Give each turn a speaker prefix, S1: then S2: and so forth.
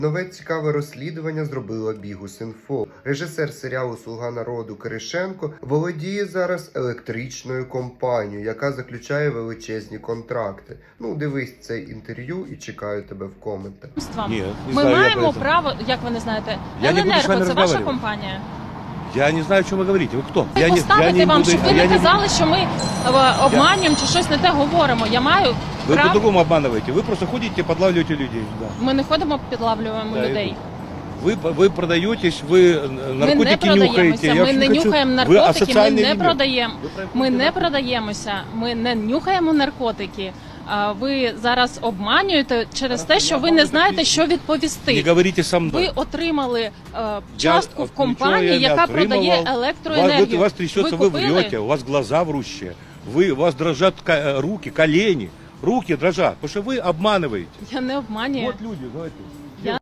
S1: Нове цікаве розслідування зробила Bihus.info. Режисер серіалу «Слуга народу» Киришенко володіє зараз електричною компанією, яка заключає величезні контракти. Ну, дивись це інтерв'ю і чекаю тебе в коментах.
S2: Ні,
S3: Ми маємо право, як ви не знаєте, Еленерго – це ваша компанія?
S2: Я не знаю, о чем вы говорите. Вы кто?
S3: Поставити вам, щоб ви не казали, що ми обманюємо чи щось не те говоримо. Я маю
S2: Вы
S3: право...
S2: по-другому обманываете. Вы просто ходите, подлавливаете людей. Да.
S3: Ми не ходимо, підлавлюємо людей.
S2: Вы продаетесь, вы наркотики
S3: ми не
S2: нюхаете.
S3: Ми не нюхаємо наркотики, ми не
S2: элемент.
S3: продаємо. Ми не продаємося, ми не нюхаємо наркотики. Ви зараз обманюєте через те, що ви не знаєте, що відповісти.
S2: Не говорите со мной.
S3: Ви отримали частку в компанії, яка продає електроенергію.
S2: У вас трясется, вы врете, у вас глаза врущие, у вас дрожат руки, колени. Руки дрожат, потому что вы обманываете.
S3: Я не обманюю.
S2: Вот люди, давайте.